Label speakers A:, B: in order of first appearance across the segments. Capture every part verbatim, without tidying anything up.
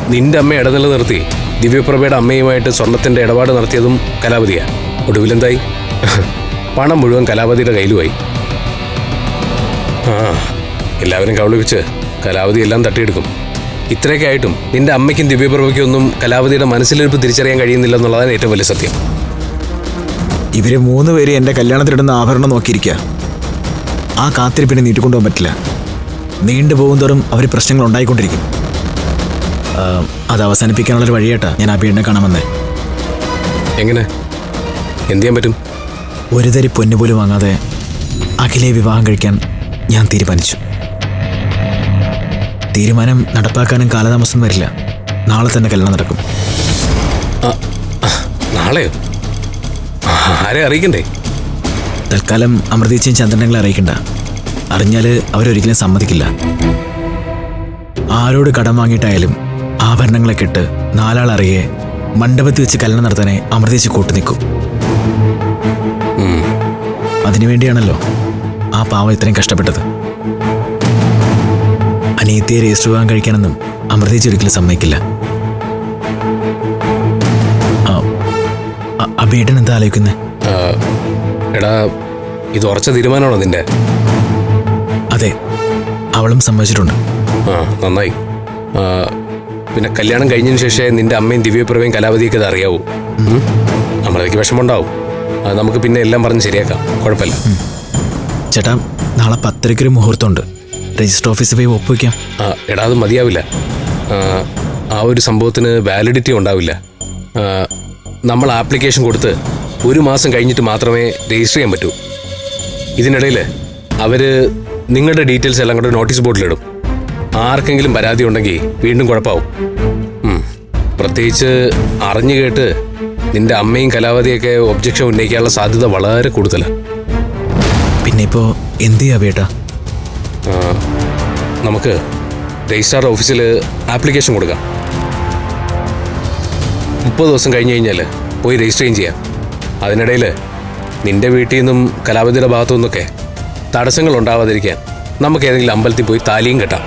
A: നിന്റെ അമ്മ ഇടനില നിർത്തി ദിവ്യപ്രഭയുടെ അമ്മയുമായിട്ട് സ്വർണത്തിന്റെ ഇടപാട് നടത്തിയതും കലാവതിയാ. ഒടുവിലെന്തായി? പണം മുഴുവൻ കലാവതിയുടെ കയ്യിലുമായി. ആ എല്ലാവരും കബളിപ്പിച്ച് കലാവതി എല്ലാം തട്ടിയെടുക്കും. ഇത്രയൊക്കെ ആയിട്ടും നിന്റെ അമ്മയ്ക്കും ദിവ്യപ്രഭയ്ക്കും ഒന്നും കലാവതിയുടെ മനസ്സിലിരിപ്പ് തിരിച്ചറിയാൻ കഴിയുന്നില്ല എന്നുള്ളതാണ് ഏറ്റവും വലിയ സത്യം.
B: ഇവര് മൂന്ന് പേര് എന്റെ കല്യാണത്തിനിടുന്ന ആഭരണം നോക്കിയിരിക്കുക. ആ കാത്തിരിപ്പിനെ നീട്ടിക്കൊണ്ടുപോകാൻ പറ്റില്ല. നീണ്ടുപോകും തോറും അവർ പ്രശ്നങ്ങൾ ഉണ്ടായിക്കൊണ്ടിരിക്കും. അത് അവസാനിപ്പിക്കാനുള്ളൊരു വഴിയായിട്ടാ ഞാൻ ആ പീഡിനെ കാണാമെന്ന്.
A: എങ്ങനെ? എന്ത് ചെയ്യാൻ പറ്റും?
B: ഒരു തരി പൊന്നുപോലും വാങ്ങാതെ അഖിലെ വിവാഹം കഴിക്കാൻ ഞാൻ തീരുമാനിച്ചു. തീരുമാനം നടപ്പാക്കാനും കാലതാമസം വരില്ല. നാളെ തന്നെ കല്യാണം നടക്കും.
A: നാളെയോ? ആരെ അറിയിക്കണ്ടേ?
B: തൽക്കാലം അമൃതീച്ചയും ചന്ദ്രനങ്ങളെ അറിയിക്കണ്ട. അറിഞ്ഞാൽ അവരൊരിക്കലും സമ്മതിക്കില്ല. ആരോട് കടം വാങ്ങിയിട്ടായാലും ആഭരണങ്ങളെ കെട്ട് നാലാൾ അറിയെ മണ്ഡപത്തിൽ വെച്ച് കല്യാണം നടത്താനേ അമൃതീച്ച് കൂട്ടു നിൽക്കും. അതിനുവേണ്ടിയാണല്ലോ ആ പാവം ഇത്രയും കഷ്ടപ്പെട്ടത്. അനിയത്തിയെ രജിസ്റ്റർ വിവാഹം കഴിക്കാനൊന്നും അമൃതീച്ച് ഒരിക്കലും സമ്മതിക്കില്ല. അബിയേട്ടൻ എന്താ ആലോചിക്കുന്നത്?
A: എടാ, ഇത് ഉറച്ച തീരുമാനമാണോ നിന്റെ?
B: അതെ, അവളും സമ്മതിച്ചിട്ടുണ്ട്.
A: ആ നന്നായി. പിന്നെ കല്യാണം കഴിഞ്ഞതിന് ശേഷം നിന്റെ അമ്മയും ദിവ്യപ്രഭയും കലാവതിയൊക്കെ ഇത് അറിയാവൂ. നമ്മളേക്ക് വിഷമമുണ്ടാവും. അത് നമുക്ക് പിന്നെ എല്ലാം പറഞ്ഞ് ശരിയാക്കാം. കുഴപ്പമില്ല.
B: ചേട്ടാ, നാളെ പത്തരയ്ക്കൊരു മുഹൂർത്തമുണ്ട്. രജിസ്റ്റർ ഓഫീസിൽ പോയി ഒപ്പുവയ്ക്കാം.
A: എടാ, അത് മതിയാവില്ല. ആ ഒരു സംഭവത്തിന് വാലിഡിറ്റി ഉണ്ടാവില്ല. നമ്മൾ ആപ്ലിക്കേഷൻ കൊടുത്ത് ഒരു മാസം കഴിഞ്ഞിട്ട് മാത്രമേ രജിസ്റ്റർ ചെയ്യാൻ പറ്റൂ. ഇതിനിടയിൽ അവർ നിങ്ങളുടെ ഡീറ്റെയിൽസ് എല്ലാം കൂടെ നോട്ടീസ് ബോർഡിലിടും. ആർക്കെങ്കിലും പരാതി ഉണ്ടെങ്കിൽ വീണ്ടും കുഴപ്പമാവും. പ്രത്യേകിച്ച് അറിഞ്ഞു കേട്ട് നിന്റെ അമ്മയും കലാവതിയൊക്കെ ഒബ്ജക്ഷൻ ഉന്നയിക്കാനുള്ള സാധ്യത വളരെ കൂടുതലാണ്.
B: പിന്നെ ഇപ്പോൾ എന്ത് ചെയ്യാ ബേട്ടാ?
A: നമുക്ക് രജിസ്ട്രാർ ഓഫീസിൽ ആപ്ലിക്കേഷൻ കൊടുക്കാം. മുപ്പത് ദിവസം കഴിഞ്ഞ് കഴിഞ്ഞാൽ പോയി രജിസ്റ്റർ ചെയ്യാം. അതിനിടയിൽ നിന്റെ വീട്ടിൽ നിന്നും കലാവതിയുടെ ഭാഗത്തു നിന്നൊക്കെ തടസ്സങ്ങൾ ഉണ്ടാവാതിരിക്കാൻ നമുക്ക് ഏതെങ്കിലും അമ്പലത്തിൽ പോയി താലിയും കെട്ടാം.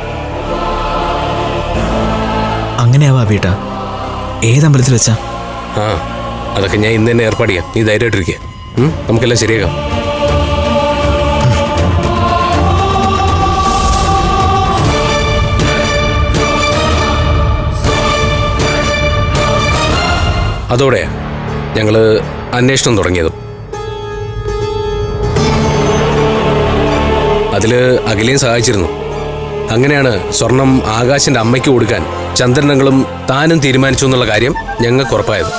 B: അങ്ങനെയാവാ ബേട്ടാ? ഏതമ്പലത്തിൽ വെച്ചാ?
A: ആ അതൊക്കെ ഞാൻ ഇന്ന് തന്നെ ഏർപ്പാട് ചെയ്യാം. നീ ധൈര്യമായിട്ടിരിക്കുക. നമുക്കെല്ലാം ശരിയാക്കാം. അതോടെ ഞങ്ങൾ അന്വേഷണം തുടങ്ങിയതും. അതിൽ അഖിലയും സഹായിച്ചിരുന്നു. അങ്ങനെയാണ് സ്വർണം ആകാശിന്റെ അമ്മയ്ക്ക് കൊടുക്കാൻ ചന്ദ്രനങ്ങളും താനും തീരുമാനിച്ചു എന്നുള്ള കാര്യം ഞങ്ങൾക്ക് ഉറപ്പായത്.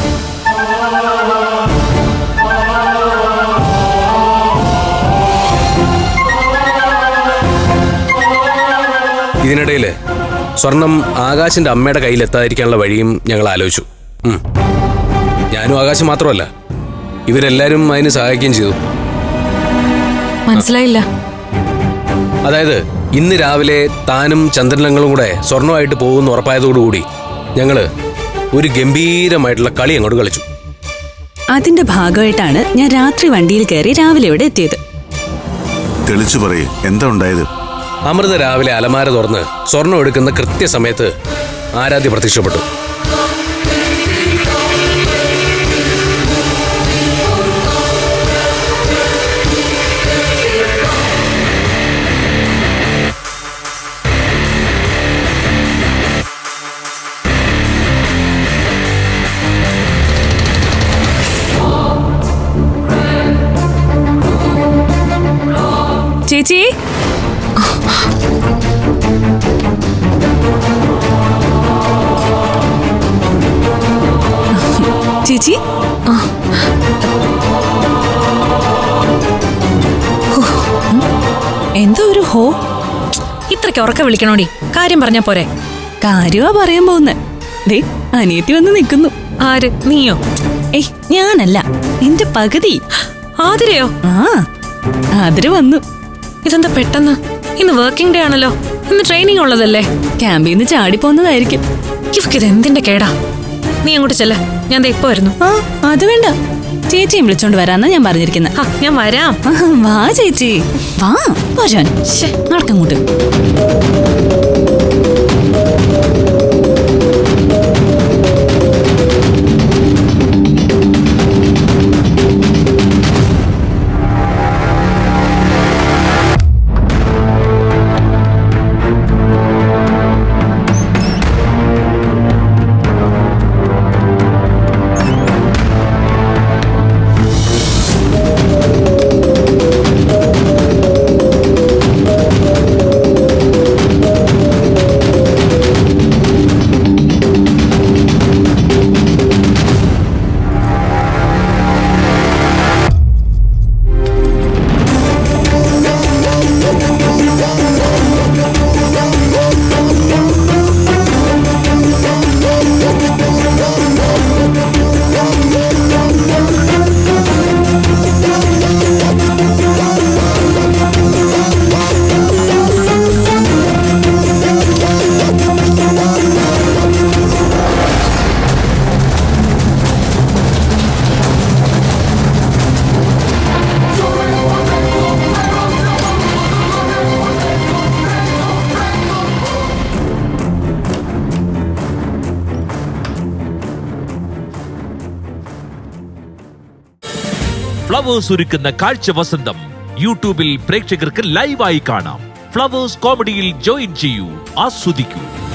A: ഇതിനിടയിൽ സ്വർണം ആകാശിന്റെ അമ്മയുടെ കയ്യിൽ എത്താതിരിക്കാനുള്ള വഴിയും ഞങ്ങൾ ആലോചിച്ചു. ഞാനും ആകാശം മാത്രമല്ല, ഇവരെല്ലാരും അതിന് സഹായിക്കുകയും ചെയ്തു.
C: മനസ്സിലായില്ല.
A: അതായത് ഇന്ന് രാവിലെ താനും ചന്ദ്രനങ്ങളും കൂടെ സ്വർണമായിട്ട് പോകുമെന്ന് ഉറപ്പായതോടുകൂടി ഞങ്ങള് ഒരു ഗംഭീരമായിട്ടുള്ള കളി അങ്ങോട്ട് കളിച്ചു.
C: അതിന്റെ ഭാഗമായിട്ടാണ് ഞാൻ രാത്രി വണ്ടിയിൽ കയറി രാവിലെ ഇവിടെ എത്തിയത്.
D: തെളിച്ചു പറയേ, എന്താ ഉണ്ടായത്?
A: അമൃത രാവിലെ അലമാര തുറന്ന് സ്വർണം എടുക്കുന്ന കൃത്യസമയത്ത് ആരാധ്യ പ്രത്യക്ഷപ്പെട്ടു.
C: ചേച്ചി, ചേച്ചി എന്തോ ഒരു ഹോ.
E: ഇത്രയ്ക്ക് ഉറക്കം വിളിക്കണോടി? കാര്യം പറഞ്ഞാ പോരെ?
C: കാര്യമാ പറയാൻ പോകുന്നെ. ദേ അനിയത്തി വന്ന് നിൽക്കുന്നു.
E: ആര്? നീയോ?
C: ഏയ് ഞാനല്ല, എന്റെ പകുതി.
E: ആതിരയോ?
C: ആ ആതിര വന്നു.
E: ഇതെന്താ പെട്ടെന്ന്? ഇന്ന് വർക്കിംഗ് ഡേ ആണല്ലോ. ഇന്ന് ട്രെയിനിങ് ഉള്ളതല്ലേ?
C: ക്യാമ്പിൽ നിന്ന് ചാടിപ്പോന്നതായിരിക്കും.
E: ഇവക്കിത് എന്തിന്റെ കേടാ? നീ അങ്ങോട്ട് ചെല്ല, ഞാൻ ദേ ഇപ്പൊ വരുന്നു.
C: ആ അത് വേണ്ട, ചേച്ചിയും വിളിച്ചോണ്ട് വരാന്നാ ഞാൻ പറഞ്ഞിരിക്കുന്നത്.
E: ഞാൻ വരാം.
C: വാ ചേച്ചി, വാ പോരാൻ. നടക്കങ്ങോട്ട്.
F: ഫ്ലവേഴ്സ് ഒരുക്കുന്ന കാഴ്ച വസന്തം യൂട്യൂബിൽ പ്രേക്ഷകർക്ക് ലൈവായി കാണാം. ഫ്ലവേഴ്സ് കോമഡിയിൽ ജോയിൻ ചെയ്യൂ, ആസ്വദിക്കൂ.